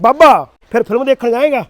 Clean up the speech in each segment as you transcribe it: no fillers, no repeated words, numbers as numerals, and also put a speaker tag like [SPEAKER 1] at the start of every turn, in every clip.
[SPEAKER 1] ਬਾਬਾ ਫਿਰ ਫਿਲਮ ਦੇਖਣ ਜਾਏਗਾ?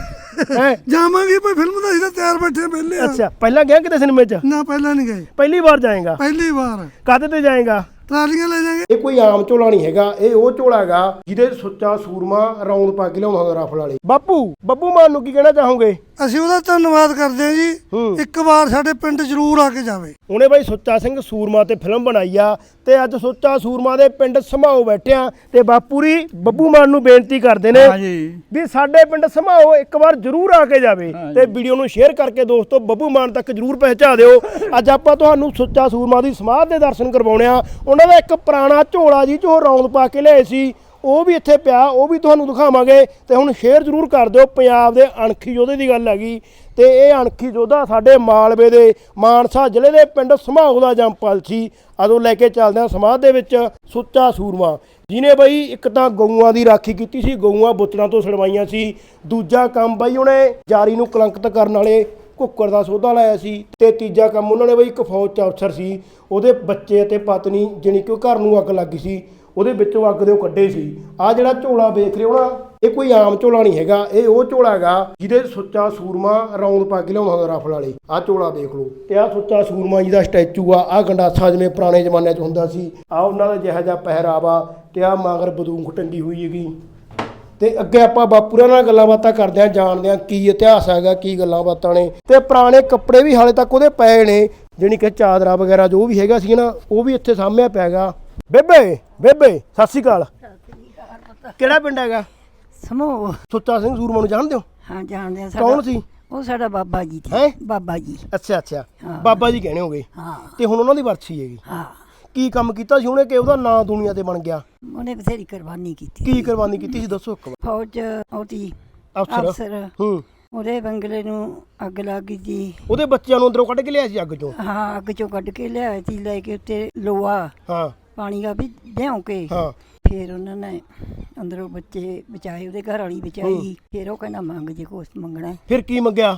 [SPEAKER 2] ਜਾਵਾਂਗੇ ਭਾਈ, ਫਿਲਮ ਦਾ ਅਸੀਂ ਤਿਆਰ ਬੈਠੇ ਪਹਿਲੇ।
[SPEAKER 1] ਅੱਛਾ, ਪਹਿਲਾਂ ਗਿਆ ਕਿਤੇ ਸਿਨੇਮੇ 'ਚ?
[SPEAKER 2] ਨਾ ਪਹਿਲਾਂ ਨਹੀਂ ਗਏ,
[SPEAKER 1] ਪਹਿਲੀ ਵਾਰ ਜਾਏਗਾ?
[SPEAKER 2] ਪਹਿਲੀ ਵਾਰ।
[SPEAKER 1] ਕਾਹਦੇ ਤੇ ਜਾਏਗਾ?
[SPEAKER 2] ਟਰਾਲੀਆਂ ਲੈ ਜਾਾਂਗੇ।
[SPEAKER 1] ਇਹ ਕੋਈ ਆਮ ਝੋਲਾ ਨਹੀਂ ਹੈਗਾ, ਇਹ ਉਹ ਝੋਲਾ ਹੈਗਾ ਜਿਹਦੇ ਸੁੱਚਾ ਸੂਰਮਾ ਰੌਂਦ ਪਾ ਕੇ ਲਿਆਉਂਦਾ ਰਫਲ ਵਾਲੇ। ਬੱਬੂ ਮਾਨ ਨੂੰ ਕੀ ਕਹਿਣਾ ਚਾਹੋਗੇ?
[SPEAKER 2] ਅਸੀਂ ਉਹਦਾ ਧੰਨਵਾਦ ਕਰਦੇ ਹਾਂ ਜੀ, ਇੱਕ ਵਾਰ ਸਾਡੇ ਪਿੰਡ ਜ਼ਰੂਰ ਆ ਕੇ ਜਾਵੇ।
[SPEAKER 1] ਉਹਨੇ ਬਾਈ ਸੁੱਚਾ ਸਿੰਘ ਸੂਰਮਾ ਤੇ ਫਿਲਮ ਬਣਾਈ ਆ, ਤੇ ਅੱਜ ਸੁੱਚਾ ਸੂਰਮਾ ਦੇ ਪਿੰਡ ਸਮਾਓ ਬੈਠਿਆ, ਤੇ ਬਾਪੂਰੀ ਬੱਬੂ ਮਾਨ ਨੂੰ ਬੇਨਤੀ ਕਰਦੇ ਨੇ ਵੀ ਸਾਡੇ ਪਿੰਡ ਸਮਾਓ ਇੱਕ ਵਾਰ ਜ਼ਰੂਰ ਆ ਕੇ ਜਾਵੇ, ਤੇ ਵੀਡੀਓ ਨੂੰ ਸ਼ੇਅਰ ਕਰਕੇ ਦੋਸਤੋ ਬੱਬੂ ਮਾਨ ਤੱਕ ਜ਼ਰੂਰ ਪਹੁੰਚਾ ਦਿਓ। ਅੱਜ ਆਪਾਂ ਤੁਹਾਨੂੰ ਸੁੱਚਾ ਸੂਰਮਾ ਦੀ ਸਮਾਧ ਦੇ ਦਰਸ਼ਨ ਕਰਵਾਉਣੇ ਆ। ਉਹਨਾਂ ਦਾ ਇੱਕ ਪੁਰਾਣਾ ਝੋਲਾ ਜੀ ਜੋ ਰੌਂਦ ਪਾ ਕੇ ਲਿਆਏ ਸੀ, ਉਹ ਵੀ ਇੱਥੇ ਪਿਆ, ਉਹ ਵੀ ਤੁਹਾਨੂੰ ਦਿਖਾਵਾਂਗੇ। ਤੇ ਹੁਣ ਸ਼ੇਅਰ ਜ਼ਰੂਰ ਕਰ ਦਿਓ। ਪੰਜਾਬ ਦੇ ਅਣਖੀ ਯੋਧੇ ਦੀ ਗੱਲ ਹੈਗੀ, ਤੇ ਇਹ ਅਣਖੀ ਯੋਧਾ ਸਾਡੇ ਮਾਲਵੇ ਦੇ ਮਾਨਸਾ ਜ਼ਿਲ੍ਹੇ ਦੇ ਪਿੰਡ ਸਮਾਓ ਦਾ ਜੰਮਪਲ ਸੀ। ਅਦੋਂ ਲੈ ਕੇ ਚੱਲਦੇ ਹਾਂ ਸਮਾਧ ਦੇ ਵਿੱਚ ਸੁੱਚਾ ਸੂਰਮਾ, ਜਿਹਨੇ ਬਈ ਇੱਕ ਤਾਂ ਗਊਆਂ ਦੀ ਰਾਖੀ ਕੀਤੀ ਸੀ, ਗਊਆਂ ਬੁੱਚੜਾਂ ਤੋਂ ਛਡਵਾਈਆਂ ਸੀ। ਦੂਜਾ ਕੰਮ ਬਈ ਉਹਨੇ ਜਾਰੀ ਨੂੰ ਕਲੰਕਿਤ ਕਰਨ ਵਾਲੇ ਕੁੱਕਰ ਦਾ ਸੋਧਾ ਲਾਇਆ ਸੀ। ਤੇ ਤੀਜਾ ਕੰਮ ਉਹਨਾਂ ਨੇ ਬਈ ਇੱਕ ਫੌਜ 'ਚ ਅਫਸਰ ਸੀ, ਉਹਦੇ ਬੱਚੇ ਅਤੇ ਪਤਨੀ ਜਾਣੀ ਕਿ ਉਹ ਘਰ ਨੂੰ ਅੱਗ ਲੱਗੀ ਸੀ, ਉਹਦੇ ਵਿੱਚੋਂ ਅੱਗ ਦੇ ਉਹ ਕੱਢੇ ਸੀ। ਆਹ ਜਿਹੜਾ ਝੋਲਾ ਵੇਖ ਰਹੇ ਹੋ ਨਾ, ਇਹ ਕੋਈ ਆਮ ਝੋਲਾ ਨਹੀਂ ਹੈਗਾ, ਇਹ ਉਹ ਝੋਲਾ ਹੈਗਾ ਜਿਹਦੇ ਸੁੱਚਾ ਸੂਰਮਾ ਰੌਂਦ ਪਾ ਕੇ ਲਿਆਉਂਦਾ ਰਫਲ ਵਾਲੇ। ਆਹ ਝੋਲਾ ਦੇਖ ਲਓ, ਤੇ ਆਹ ਸੁੱਚਾ ਸੂਰਮਾ ਜੀ ਦਾ ਸਟੈਚੂ ਆ। ਆਹ ਗੰਡਾਸਾ ਜਿਵੇਂ ਪੁਰਾਣੇ ਜ਼ਮਾਨਿਆਂ 'ਚ ਹੁੰਦਾ ਸੀ, ਆਹ ਉਹਨਾਂ ਦਾ ਜਿਹੋ ਜਿਹਾ ਪਹਿਰਾਵਾ, ਤੇ ਆਹ ਮਗਰ ਬੰਦੂਕ ਟੰਗੀ ਹੋਈ ਹੈਗੀ। ਤੇ ਅੱਗੇ ਆਪਾਂ ਬਾਪੂਰਾਂ ਨਾਲ ਗੱਲਾਂ ਬਾਤਾਂ ਕਰਦੇ ਹਾਂ, ਜਾਣਦੇ ਹਾਂ ਕੀ ਇਤਿਹਾਸ ਹੈਗਾ, ਕੀ ਗੱਲਾਂ ਬਾਤਾਂ ਨੇ। ਤੇ ਪੁਰਾਣੇ ਕੱਪੜੇ ਵੀ ਹਾਲੇ ਤੱਕ ਉਹਦੇ ਪਏ ਨੇ, ਜਾਣੀ ਕਿ ਚਾਦਰਾ ਵਗੈਰਾ ਜੋ ਵੀ ਹੈਗਾ ਸੀ ਨਾ, ਉਹ ਵੀ ਇੱਥੇ ਸਾਹਮਣੇ ਪਿਆ ਹੈਗਾ। ਬੇਬੇ ਸਤਿ ਸ਼੍ਰੀ ਅਕਾਲ। ਕਿਹੜਾ ਪਿੰਡ ਹੈਗਾ?
[SPEAKER 3] ਸਮੂਹ।
[SPEAKER 1] ਸੁੱਚਾ ਸਿੰਘ ਸੂਰਮਾ ਨੂੰ ਜਾਣਦੇ ਹੋ?
[SPEAKER 3] ਹਾਂ ਜਾਣਦੇ ਆ।
[SPEAKER 1] ਕੌਣ ਸੀ
[SPEAKER 3] ਉਹ? ਸਾਡਾ ਬਾਬਾ ਜੀ ਸੀ।
[SPEAKER 1] ਹੈ
[SPEAKER 3] ਬਾਬਾ ਜੀ।
[SPEAKER 1] ਅੱਛਾ, ਬਾਬਾ ਜੀ ਕਹਿਣੇ ਹੋਗੇ।
[SPEAKER 3] ਹਾਂ।
[SPEAKER 1] ਤੇ ਹੁਣ ਉਹਨਾਂ ਦੀ ਵਰਸੀ ਹੈਗੀ।
[SPEAKER 3] ਹਾਂ।
[SPEAKER 1] ਕੀ ਕੰਮ ਕੀਤਾ ਸੀ ਉਹਨੇ ਕਿ ਉਹਦਾ ਨਾਂ ਦੁਨੀਆ ਤੇ ਬਣ ਗਿਆ?
[SPEAKER 3] ਉਹਨੇ ਬਥੇਰੀ ਕੁਰਬਾਨੀ ਕੀਤੀ।
[SPEAKER 1] ਕੀ ਕੁਰਬਾਨੀ ਕੀਤੀ ਸੀ ਦੱਸੋ ਇੱਕ ਵਾਰ।
[SPEAKER 3] ਫੌਜ ਉਹਦੀ
[SPEAKER 1] ਅਫਸਰ
[SPEAKER 3] ਉਹਦੇ ਬੰਗਲੇ ਨੂੰ ਅੱਗ ਲੱਗ ਗਈ ਸੀ।
[SPEAKER 1] ਉਹਦੇ ਬੱਚਿਆਂ ਨੂੰ ਅੰਦਰੋਂ ਕੱਢ ਕੇ ਲਿਆ ਸੀ ਅੱਗ ਚੋਂ?
[SPEAKER 3] ਹਾਂ, ਅੱਗ ਚੋਂ ਕੱਢ ਕੇ ਲਿਆਏ ਸੀ, ਲੈ ਕੇ ਉੱਤੇ ਲੋਹਾ ਪਾਣੀ ਦਾ ਵੀ ਭਿਉਂ ਕੇ। ਫਿਰ ਉਹਨਾਂ ਨੇ ਅੰਦਰੋਂ ਬੱਚੇ ਬਚਾਏ, ਉਹਦੇ ਘਰ ਵਾਲੀ ਬਚਾਈ। ਫਿਰ ਉਹ ਕਹਿੰਦਾ ਮੰਗ ਜੇ ਕੁਛ ਮੰਗਣਾ।
[SPEAKER 1] ਫਿਰ ਕੀ ਮੰਗਿਆ?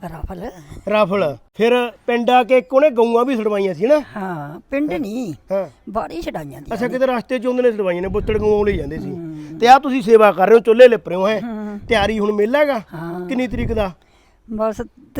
[SPEAKER 1] ਰਫਲ। ਫਿਰ ਪਿੰਡ ਆ ਕੇ ਉਹਨੇ ਗਊਆਂ ਵੀ ਛਡਵਾਈਆਂ ਸੀ ਨਾ?
[SPEAKER 3] ਹਾਂ, ਪਿੰਡ ਨਹੀਂ, ਬਾੜੀ ਛਡਾਈਆਂ ਦੀ।
[SPEAKER 1] ਅੱਛਾ, ਕਿਤੇ ਰਸਤੇ 'ਚ ਉਹਨੇ ਛਡਵਾਈਆਂ ਨੇ, ਬੁੱਤੜ ਗਊਆਂ ਲਈ ਜਾਂਦੇ ਸੀ। ਤੇ ਆ ਤੁਸੀਂ ਸੇਵਾ ਕਰ ਰਹੇ ਹੋ, ਚੁੱਲ੍ਹੇ ਲਿਪ ਰਹੇ ਹੋ, ਹੈ ਤਿਆਰੀ ਹੁਣ ਮੇਲਾ ਹੈਗਾ? ਕਿੰਨੀ ਤਰੀਕ ਦਾ?
[SPEAKER 3] ਬਸ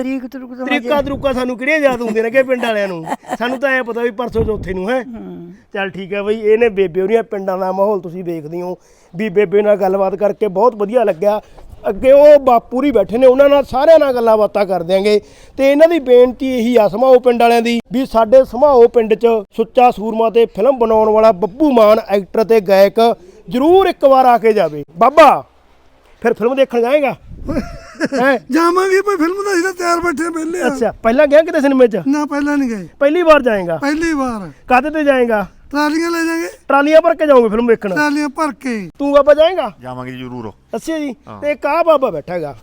[SPEAKER 1] ਤਰੀਕਾ ਸਾਨੂੰ ਕਿਹੜੀਆਂ ਯਾਦ ਹੁੰਦੀਆਂ ਨੇ ਕਿ ਪਿੰਡ ਵਾਲਿਆਂ ਨੂੰ? ਸਾਨੂੰ ਤਾਂ ਐ ਪਤਾ ਵੀ ਪਰਸੋਂ ਚੌਥੇ ਨੂੰ ਹੈ। ਚੱਲ ਠੀਕ ਹੈ ਬਈ, ਇਹਨੇ ਬੇਬੇ ਉਹਦੀਆਂ ਪਿੰਡਾਂ ਦਾ ਮਾਹੌਲ ਤੁਸੀਂ ਵੇਖਦੇ ਹੋ ਵੀ। ਬੇਬੇ ਨਾਲ ਗੱਲਬਾਤ ਕਰਕੇ ਬਹੁਤ ਵਧੀਆ ਲੱਗਿਆ। ਅੱਗੇ ਉਹ ਬਾਪੂਰੀ ਬੈਠੇ ਨੇ, ਉਹਨਾਂ ਨਾਲ ਸਾਰਿਆਂ ਨਾਲ ਗੱਲਾਂ ਬਾਤਾਂ ਕਰ ਦਿਆਂਗੇ। ਤੇ ਇਹਨਾਂ ਦੀ ਬੇਨਤੀ ਇਹੀ ਆ ਸਮਾਓ ਪਿੰਡ ਵਾਲਿਆਂ ਦੀ ਵੀ ਸਾਡੇ ਸਮਾਓ ਪਿੰਡ 'ਚ ਸੁੱਚਾ ਸੂਰਮਾ ਤੇ ਫਿਲਮ ਬਣਾਉਣ ਵਾਲਾ ਬੱਬੂ ਮਾਨ ਐਕਟਰ ਤੇ ਗਾਇਕ ਜ਼ਰੂਰ ਇੱਕ ਵਾਰ ਆ ਕੇ ਜਾਵੇ। ਬਾਬਾ ਫਿਰ ਫਿਲਮ ਦੇਖਣ ਜਾਏਗਾ?
[SPEAKER 2] ਜਾਵਾਂਗੇ ਭਾਈ, ਫਿਲਮ ਦਾ ਅਸੀਂ ਤਿਆਰ ਬੈਠੇ ਪਹਿਲੇ।
[SPEAKER 1] ਅੱਛਾ, ਪਹਿਲਾਂ ਗਿਆ ਕਿਤੇ ਸਿਨੇਮੇ 'ਚ?
[SPEAKER 2] ਨਾ ਪਹਿਲਾਂ ਨਹੀਂ ਗਏ,
[SPEAKER 1] ਪਹਿਲੀ ਵਾਰ ਜਾਏਗਾ?
[SPEAKER 2] ਪਹਿਲੀ ਵਾਰ।
[SPEAKER 1] ਕਾਹਦੇ ਤੇ ਜਾਏਗਾ?
[SPEAKER 2] ਟਰਾਲੀਆਂ ਲੈ ਜਾਾਂਗੇ।
[SPEAKER 1] ਟਰਾਲੀਆਂ ਭਰ ਕੇ ਜਾਓਗੇ ਫਿਲਮ ਵੇਖਣ?
[SPEAKER 2] ਟਰਾਲੀਆਂ ਭਰ ਕੇ।
[SPEAKER 1] ਤੂੰ ਬਾਬਾ ਜਾਏਗਾ?
[SPEAKER 4] ਜਾਵਾਂਗੇ ਜ਼ਰੂਰ।
[SPEAKER 1] ਅੱਛਾ ਜੀ। ਤੇ ਇੱਕ ਆਹ ਬਾਬਾ ਬੈਠਾ ਹੈਗਾ,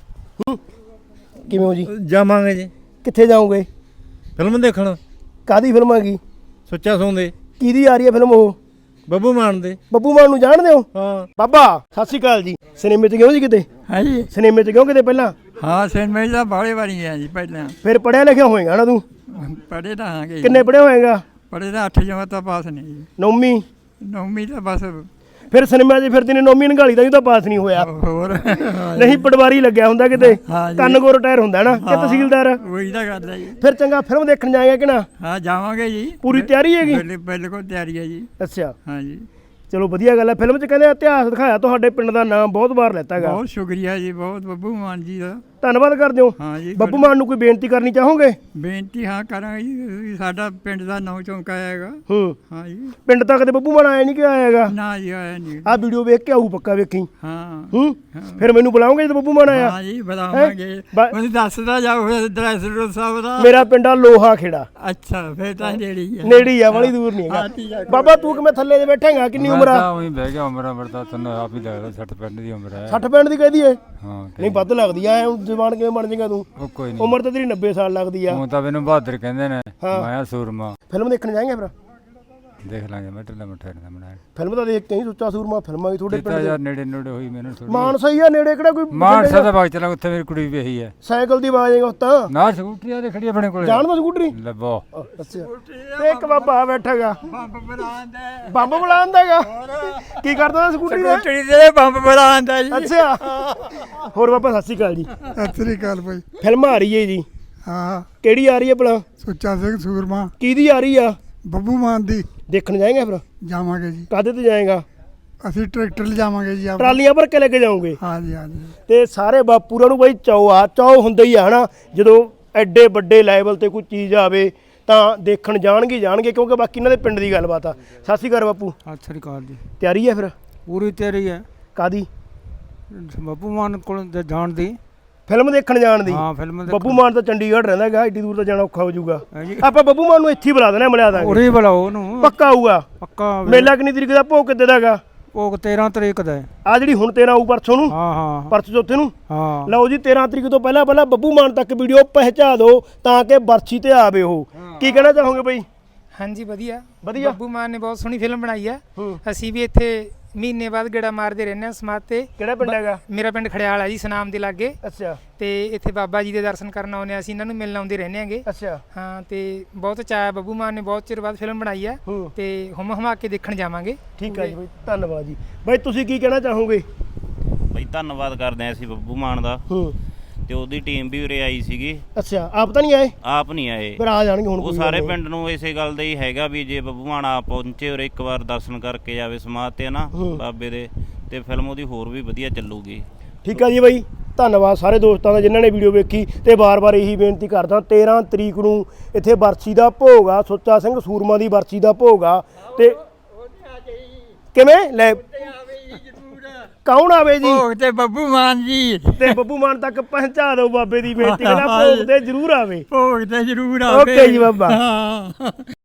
[SPEAKER 1] ਕਿਵੇਂ ਹੋ ਜੀ?
[SPEAKER 5] ਜਾਵਾਂਗੇ ਜੀ।
[SPEAKER 1] ਕਿੱਥੇ ਜਾਓਗੇ?
[SPEAKER 5] ਫਿਲਮ ਦੇਖਣ।
[SPEAKER 1] ਕਾਹਦੀ ਫਿਲਮ ਹੈਗੀ?
[SPEAKER 5] ਸੁੱਚਾ ਸੌਂਦੇ।
[SPEAKER 1] ਕਿਹਦੀ ਆ ਰਹੀ ਹੈ ਫਿਲਮ ਉਹ?
[SPEAKER 5] ਬੱਬੂ ਮਾਨ ਦੇ।
[SPEAKER 1] ਬੱਬੂ ਮਾਨ ਨੂੰ ਜਾਣਦੇ ਹੋ?
[SPEAKER 5] ਹਾਂ।
[SPEAKER 1] ਬਾਬਾ ਸਤਿ ਸ਼੍ਰੀ ਅਕਾਲ ਜੀ। ਸਿਨੇਮੇ 'ਚ ਗਏ ਜੀ ਕਿਤੇ?
[SPEAKER 6] ਹਾਂਜੀ।
[SPEAKER 1] ਸਿਨੇਮੇ 'ਚ ਗਏ ਕਿਤੇ ਪਹਿਲਾਂ?
[SPEAKER 6] ਹਾਂ, ਸਿਨੇਮੇ ਦਾ ਬਾਹਲੇ ਵਾਰੀ ਗਿਆ ਜੀ ਪਹਿਲਾਂ।
[SPEAKER 1] ਫਿਰ ਪੜ੍ਹਿਆ ਲਿਖਿਆ ਹੋਏਗਾ ਨਾ ਤੂੰ?
[SPEAKER 6] ਪੜ੍ਹੇ ਤਾਂ ਹਾਂਗੇ।
[SPEAKER 1] ਕਿੰਨੇ ਪੜ੍ਹਿਆ ਹੋਏਗਾ?
[SPEAKER 6] ਪੜ੍ਹੇ ਤਾਂ 8 ਜਮਾਤ ਤਾਂ ਪਾਸ ਨਹੀਂ ਜੀ।
[SPEAKER 1] 9ਵੀਂ
[SPEAKER 6] ਤਾਂ ਬਸ।
[SPEAKER 1] ਫਿਰ ਸਿਨੇਮਾ 'ਚ ਫਿਰਦੀ ਨੇ 9ਵੀਂ ਨਗਾਲੀ ਦਾ ਵੀ ਤਾਂ ਪਾਸ ਨਹੀਂ ਹੋਇਆ।
[SPEAKER 6] ਹੋਰ
[SPEAKER 1] ਨਹੀਂ ਪਟਵਾਰੀ ਲੱਗਿਆ ਹੁੰਦਾ ਕਿਤੇ, ਕੰਨ ਕੋ ਰਿਟਾਇਰ ਹੁੰਦਾ ਨਾ, ਕਿ ਤਹਿਸੀਲਦਾਰ?
[SPEAKER 6] ਉਹੀ ਤਾਂ ਗੱਲ ਹੈ ਜੀ।
[SPEAKER 1] ਫਿਰ ਚੰਗਾ ਫਿਲਮ ਦੇਖਣ ਜਾਏਗਾ ਕਿ ਨਾ?
[SPEAKER 6] ਹਾਂ, ਜਾਵਾਂਗੇ ਜੀ।
[SPEAKER 1] ਪੂਰੀ ਤਿਆਰੀ ਹੈਗੀ?
[SPEAKER 6] ਬਿਲਕੁਲ ਤਿਆਰੀ ਹੈ ਜੀ।
[SPEAKER 1] ਅੱਛਾ।
[SPEAKER 6] ਹਾਂ ਜੀ।
[SPEAKER 1] ਚਲੋ ਵਧੀਆ ਗੱਲ ਹੈ। ਫਿਲਮ 'ਚ ਕਹਿੰਦੇ ਇਤਿਹਾਸ ਦਿਖਾਇਆ, ਤੁਹਾਡੇ ਪਿੰਡ ਦਾ ਨਾਮ ਬਹੁਤ ਵਾਰ ਲੈਤਾ ਹੈਗਾ।
[SPEAKER 6] ਬਹੁਤ ਸ਼ੁਕਰੀਆ ਜੀ, ਬਹੁਤ ਬੱਬੂ ਮਾਨ ਜੀ ਦਾ
[SPEAKER 1] ਧੰਨਵਾਦ ਕਰਦੇ ਹੋ।
[SPEAKER 6] ਹਾਂ ਜੀ।
[SPEAKER 1] ਬੱਬੂ ਮਾਨ ਨੂੰ ਕੋਈ ਬੇਨਤੀ ਕਰਨੀ ਚਾਹੋਗੇ?
[SPEAKER 6] ਬੇਨਤੀ ਹਾਂ ਕਰਾਂਗੇ ਜੀ, ਸਾਡਾ ਪਿੰਡ ਦਾ ਨਾਂ ਚਮਕਾਇਆ ਹੈਗਾ। ਹਾਂ ਜੀ।
[SPEAKER 1] ਪਿੰਡ ਤੱਕ ਤੇ ਬੱਬੂ ਮਾਨ ਆਇਆ ਨਹੀਂ ਕਿ ਆਇਆ ਹੈਗਾ?
[SPEAKER 6] ਨਾ ਜੀ, ਆਇਆ ਨਹੀਂ।
[SPEAKER 1] ਆਹ ਵੀਡੀਓ ਵੇਖ ਕੇ ਆਊ ਪੱਕਾ ਵੇਖੀ।
[SPEAKER 6] ਹਾਂ।
[SPEAKER 1] ਫਿਰ ਮੈਨੂੰ ਬੁਲਾਓਗੇ ਜਦੋਂ ਬੱਬੂ ਮਾਨ ਆਇਆ?
[SPEAKER 6] ਹਾਂ ਜੀ, ਬੁਲਾਵਾਂਗੇ। ਮੈਨੂੰ ਦੱਸਦਾ ਜਾਓ ਐਡਰੈਸ ਸਾਹਿਬ ਦਾ।
[SPEAKER 1] ਮੇਰਾ ਪਿੰਡ ਆ ਲੋਹਾ ਖੇੜਾ।
[SPEAKER 6] ਅੱਛਾ, ਫਿਰ ਤਾਂ ਨੇੜੇ ਹੀ ਹੈ।
[SPEAKER 1] ਨੇੜੇ ਹੀ ਆ, ਬੜੀ ਦੂਰ ਨਹੀਂ ਹੈਗਾ। ਬਾਬਾ ਤੂੰ ਕਿਵੇਂ ਥੱਲੇ ਦੇ ਬੈਠੇਗਾ? ਕਿੰਨੀ ਉਮਰ ਆ?
[SPEAKER 7] ਉਹੀ ਬਹਿ ਗਿਆ, ਉਮਰ ਤਾਂ ਤੈਨੂੰ ਆਪ ਹੀ ਲੱਗਦਾ 60 ਪਿੰਡ ਦੀ ਉਮਰ ਹੈ।
[SPEAKER 1] 60 ਪਿੰਡ ਦੀ ਕਹਦੀ ਏ?
[SPEAKER 7] ਹਾਂ।
[SPEAKER 1] ਨਹੀਂ ਵੱਧ ਲੱਗਦੀ ਆ, ਜਵਾਨ ਕਿਵੇਂ ਬਣ ਜਾਏਗਾ ਤੂੰ?
[SPEAKER 7] ਉਹ ਕੋਈ ਨਹੀਂ,
[SPEAKER 1] ਉਮਰ ਤਾਂ ਤੇਰੀ 90 ਸਾਲ ਲੱਗਦੀ ਆ।
[SPEAKER 7] ਹੁਣ ਤਾਂ ਮੈਨੂੰ ਬਹਾਦਰ ਕਹਿੰਦੇ ਨੇ, ਮੈਂ ਸੂਰਮਾ।
[SPEAKER 1] ਫਿਲਮ ਦੇਖਣ ਜਾਏਂਗੇ ਫਿਰ?
[SPEAKER 7] ਦੇਖ ਲਾਂਗੇ ਮੈਂ ਢਿੱਲਾ ਮੱਠਾ ਨਾ ਬਣਾਇਆ
[SPEAKER 1] ਫਿਲਮ ਤਾਂ ਦੇਖ ਕੇ ਹੀ ਸੁੱਚਾ ਸੂਰਮਾ ਫਿਲਮਾਂ ਵੀ ਤੁਹਾਡੇ
[SPEAKER 7] ਦਿੱਤਾ
[SPEAKER 1] ਪਿੰਡ
[SPEAKER 7] ਯਾਰ
[SPEAKER 1] ਦੇ
[SPEAKER 7] ਨੇੜੇ ਨੇੜੇ ਹੋਈ ਮੈਨੂੰ ਥੋੜੀ
[SPEAKER 1] ਮਾਨਸਾ ਹੀ ਆ ਨੇੜੇ ਕਿਹੜਾ ਕੋਈ
[SPEAKER 7] ਮਾਨਸਾ ਦਾ ਬਾਗ ਚਲਾ ਉੱਥੇ ਮੇਰੀ ਕੁੜੀ ਵੀ ਇਹੀ ਹੈ
[SPEAKER 1] ਸਾਈਕਲ ਦੀ ਆਵਾਜ਼ ਆਏਗਾ ਤਾਂ
[SPEAKER 7] ਨਾ ਸਕੂਟਰੀ ਆ ਖੜੀ ਆਪਣੇ ਕੋਲੇ
[SPEAKER 1] ਜਾਣਦਾ ਸਕੂਟਰੀ
[SPEAKER 7] ਲੱਭੋ
[SPEAKER 1] ਅੱਛਾ ਤੇ ਇੱਕ ਬਾਬਾ ਬੈਠਾਗਾ
[SPEAKER 6] ਬੰਬ ਬੁਲਾਉਂਦਾ
[SPEAKER 1] ਬੰਬ ਬੁਲਾਉਂਦਾਗਾ ਕੀ ਕਰਦਾ ਸਕੂਟਰੀ ਦਾ
[SPEAKER 6] ਸਕੂਟਰੀ ਦੇ ਬੰਬ ਬੁਲਾਉਂਦਾ ਜੀ
[SPEAKER 1] ਅੱਛਾ ਹੋਰ ਬਾਬਾ ਸਤਿ ਸ਼੍ਰੀ ਅਕਾਲ ਜੀ
[SPEAKER 2] ਸਤਿ ਸ੍ਰੀ ਅਕਾਲ ਭਾਈ।
[SPEAKER 1] ਫਿਲਮ ਆ ਰਹੀ ਹੈ ਜੀ
[SPEAKER 2] ਹਾਂ
[SPEAKER 1] ਕਿਹੜੀ ਆ ਰਹੀ ਹੈ ਭਲਾ
[SPEAKER 2] ਸੁੱਚਾ ਸਿੰਘ ਸੂਰਮਾ
[SPEAKER 1] ਕਿਹਦੀ ਆ ਰਹੀ ਆ
[SPEAKER 2] ਬੱਬੂ ਮਾਨ ਦੀ
[SPEAKER 1] ਦੇਖਣ ਜਾਏਗਾ ਫਿਰ
[SPEAKER 2] ਜਾਵਾਂਗੇ ਜੀ।
[SPEAKER 1] ਕਾਹਦੇ ਤੇ ਜਾਏਗਾ
[SPEAKER 2] ਅਸੀਂ ਟਰੈਕਟਰ ਲਿਜਾਵਾਂਗੇ ਜੀ ਆਪ।
[SPEAKER 1] ਟਰਾਲੀਆਂ ਭਰ ਕੇ ਲੈ ਕੇ ਜਾਓਗੇ
[SPEAKER 2] ਹਾਂਜੀ ਹਾਂਜੀ।
[SPEAKER 1] ਤੇ ਸਾਰੇ ਬਾਪੂਰਾਂ ਨੂੰ ਬਾਈ ਚਾਅ ਹੁੰਦਾ ਹੀ ਆ ਹਨਾ ਜਦੋਂ ਐਡੇ ਵੱਡੇ ਲੈਵਲ ਤੇ ਕੋਈ ਚੀਜ਼ ਆਵੇ ਤਾਂ ਦੇਖਣ ਜਾਣਗੇ ਕਿਉਂਕਿ ਬਾਕੀ ਇਹਨਾਂ ਦੇ ਪਿੰਡ ਦੀ ਗੱਲਬਾਤ ਆ। ਸਤਿ ਸ਼੍ਰੀ ਅਕਾਲ ਬਾਪੂ।
[SPEAKER 6] ਸਤਿ ਸ੍ਰੀ ਅਕਾਲ ਜੀ।
[SPEAKER 1] ਤਿਆਰੀ ਹੈ ਫਿਰ
[SPEAKER 6] ਪੂਰੀ ਤਿਆਰੀ ਹੈ
[SPEAKER 1] ਕਾਦੀ
[SPEAKER 6] ਬੱਬੂ ਮਾਨ ਕੋਲ ਜਾਣ ਦੀ।
[SPEAKER 1] ਫਿਲਮ ਦੇਖਣ ਜਾਣ ਦੀ?
[SPEAKER 6] ਹਾਂ ਫਿਲਮ ਦੇ
[SPEAKER 1] ਬੱਬੂ ਮਾਨ ਤਾਂ ਚੰਡੀਗੜ੍ਹ ਰਹਿੰਦਾ ਹੈਗਾ, ਏਡੀ ਦੂਰ ਤਾਂ ਜਾਣਾ ਔਖਾ ਹੋ ਜਾਊਗਾ।
[SPEAKER 6] ਹੈ ਜੀ।
[SPEAKER 1] ਆਪਾਂ ਬੱਬੂ ਮਾਨ ਨੂੰ ਇੱਥੇ ਹੀ ਬੁਲਾ ਦੇਣਾ, ਮਿਲਾ ਦਾਂਗੇ।
[SPEAKER 6] ਉਰੇ ਬੁਲਾਓ ਉਹਨੂੰ
[SPEAKER 1] ਪੱਕਾ ਆਊਗਾ
[SPEAKER 6] ਪੱਕਾ।
[SPEAKER 1] ਮੇਲਾ ਕਿੰਨੀ ਤਰੀਕ ਦਾ, ਭੋਗ ਕਿੱਦੇ ਦਾ ਹੈਗਾ?
[SPEAKER 6] ਭੋਗ 13 ਤਰੀਕ ਦਾ ਹੈ।
[SPEAKER 1] ਆ ਜਿਹੜੀ ਹੁਣ 13 ਆਊ ਪਰਸੋਂ ਨੂੰ,
[SPEAKER 6] ਹਾਂ ਹਾਂ
[SPEAKER 1] ਪਰਸੋਂ ਚੌਥੇ ਨੂੰ।
[SPEAKER 6] ਹਾਂ
[SPEAKER 1] ਲਓ ਜੀ 13 ਤਰੀਕ ਤੋਂ ਪਹਿਲਾਂ ਬੱਬੂ ਮਾਨ ਤੱਕ ਵੀਡੀਓ ਪਹੁੰਚਾ ਦਿਓ ਤਾਂ ਕਿ ਬਰਛੀ ਤੇ ਆਵੇ ਉਹ। ਕੀ ਕਹਿਣਾ ਚਾਹੋਗੇ ਬਈ?
[SPEAKER 4] ਹਾਂਜੀ ਵਧੀਆ
[SPEAKER 1] ਵਧੀਆ।
[SPEAKER 4] ਬੱਬੂ ਮਾਨ ਨੇ ਬਹੁਤ ਸੋਹਣੀ ਫਿਲਮ ਬਣਾਈ ਆ।
[SPEAKER 1] ਹੂੰ।
[SPEAKER 4] ਅਸੀਂ ਵੀ ਇੱਥੇ ਮਹੀਨੇ ਬਾਅਦ ਗੇੜਾ ਮਾਰਦੇ ਰਹਿੰਦੇ ਹਾਂ ਸਮਾਧ ਤੇ।
[SPEAKER 1] ਕਿਹੜਾ ਪਿੰਡ ਹੈਗਾ?
[SPEAKER 4] ਮੇਰਾ ਪਿੰਡ ਖੜਿਆਲ ਆ ਜੀ, ਸਨਾਮ ਦੇ ਲਾਗੇ।
[SPEAKER 1] ਅੱਛਾ
[SPEAKER 4] ਤੇ ਇੱਥੇ ਬਾਬਾ ਜੀ ਦੇ ਦਰਸ਼ਨ ਕਰਨ ਆਉਂਦੇ ਹਾਂ, ਅਸੀਂ ਇਹਨਾਂ ਨੂੰ ਮਿਲਣ ਆਉਂਦੇ ਰਹਿੰਦੇ ਆਂਗੇ।
[SPEAKER 1] ਅੱਛਾ
[SPEAKER 4] ਹਾਂ ਤੇ ਬਹੁਤ ਚਾਅ, ਬੱਬੂ ਮਾਨ ਨੇ ਬਹੁਤ ਚਿਰ ਬਾਅਦ ਫਿਲਮ ਬਣਾਈ ਆ
[SPEAKER 1] ਹੂੰ।
[SPEAKER 4] ਤੇ ਹਮਾ ਕੇ ਦੇਖਣ ਜਾਵਾਂਗੇ।
[SPEAKER 1] ਠੀਕ ਹੈ ਜੀ ਬਈ, ਧੰਨਵਾਦ ਜੀ। ਬਈ ਤੁਸੀਂ ਕੀ ਕਹਿਣਾ ਚਾਹੋਗੇ?
[SPEAKER 8] ਬਈ ਧੰਨਵਾਦ ਕਰਦੇ ਹਾਂ ਅਸੀਂ ਬੱਬੂ ਮਾਨ ਦਾ,
[SPEAKER 1] ਹੂੰ।
[SPEAKER 8] ਤੇ ਉਹਦੀ ਟੀਮ ਵੀ ਉਰੇ ਆਈ ਸੀਗੀ।
[SPEAKER 1] ਅੱਛਾ ਆਪ ਤਾਂ ਨਹੀਂ ਆਏ?
[SPEAKER 8] ਆਪ ਨਹੀਂ ਆਏ,
[SPEAKER 1] ਫਿਰ ਆ ਜਾਣਗੇ ਹੁਣ।
[SPEAKER 8] ਉਹ
[SPEAKER 1] ਕੋਈ
[SPEAKER 8] ਸਾਰੇ
[SPEAKER 1] ਗੱਲ ਨਹੀਂ।
[SPEAKER 8] ਪਿੰਡ ਨੂੰ ਇਸੇ ਗੱਲ ਦਾ ਹੀ ਹੈਗਾ ਵੀ ਜੇ ਬੱਬੂ ਮਾਨ ਆਪ ਪਹੁੰਚੇ ਉਰੇ ਇੱਕ ਵਾਰ ਦਰਸ਼ਨ ਕਰਕੇ ਜਾਵੇ ਸਮਾਧ ਤੇ ਨਾ ਬਾਬੇ ਦੇ, ਤੇ ਫਿਲਮ ਉਹਦੀ ਹੋਰ ਵੀ ਵਧੀਆ ਚੱਲੂਗੀ।
[SPEAKER 1] ਠੀਕ ਆ ਜੀ ਬਾਈ, ਧੰਨਵਾਦ ਸਾਰੇ ਦੋਸਤਾਂ ਦਾ ਜਿਨ੍ਹਾਂ ਨੇ ਵੀਡੀਓ ਵੇਖੀ। ਤੇ ਬਾਰ-ਬਾਰ ਇਹੀ ਬੇਨਤੀ ਕਰਦਾ, 13 ਤਰੀਕ ਨੂੰ ਇੱਥੇ ਬਰਛੀ ਦਾ ਭੋਗ ਆ, ਸੁੱਚਾ ਸਿੰਘ ਸੂਰਮਾ ਦੀ ਬਰਛੀ ਦਾ ਭੋਗ ਆ। ਤੇ ਕਿਵੇਂ ਲੈ ਕੌਣ ਆਵੇ ਜੀ?
[SPEAKER 6] ਭੋਗ ਤੇ ਬੱਬੂ ਮਾਨ ਜੀ।
[SPEAKER 1] ਤੇ ਬੱਬੂ ਮਾਨ ਤੱਕ ਪਹੁੰਚਾ ਦਿਓ ਬਾਬੇ ਦੀ ਬੇਨਤੀ, ਕਹਿੰਦਾ ਭੋਗ ਤੇ ਜ਼ਰੂਰ ਆਵੇ।
[SPEAKER 6] ਭੋਗ ਤੇ ਜ਼ਰੂਰ ਆਵੇ।
[SPEAKER 1] ਓਕੇ ਜੀ ਬਾਬਾ।
[SPEAKER 6] ਹਾਂ।